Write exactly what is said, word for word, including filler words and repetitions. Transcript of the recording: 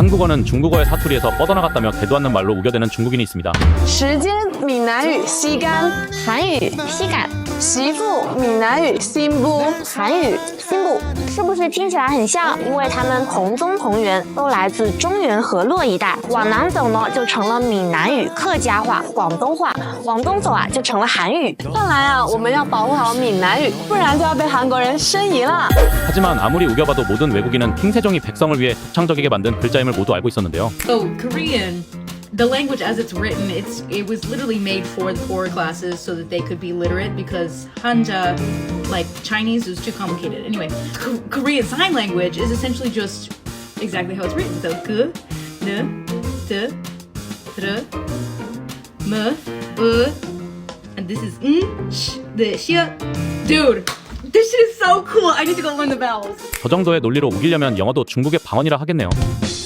한국어는 중국어의 사투리에서 뻗어나갔다며 대도 않는 말로 우겨대는 중국인이 있습니다. 时间闽南语吸干， 韩语吸感， 媳妇闽南语心不， 韩语心部，是不是听起来很像？因为他们同宗同源，都来自中原河洛一带。往南走呢，就成了闽南语、客家话、广东话；往东走啊，就成了韩语。 看来啊，我们要保护好闽南语，不然就要被韩国人申遗了。 하지만 아무리 우겨봐도 모든 외국인은 킹세종이 백성을 위해 독창적이게 만든 글자임을 모두 알고 있었는데요. So Korean, the language as it's written, it's it was literally made for the poorer classes so that they could be literate because Hanja, like Chinese, was too complicated. Anyway, K- Korean Sign Language is essentially just exactly how it's written. So g, n, d, dr, m, b, and this is n, sh, the, sh. Dude, this shit is so cool. I need to go learn the vowels. 저 정도의 논리로 우기려면 영어도 중국의 방언이라 하겠네요.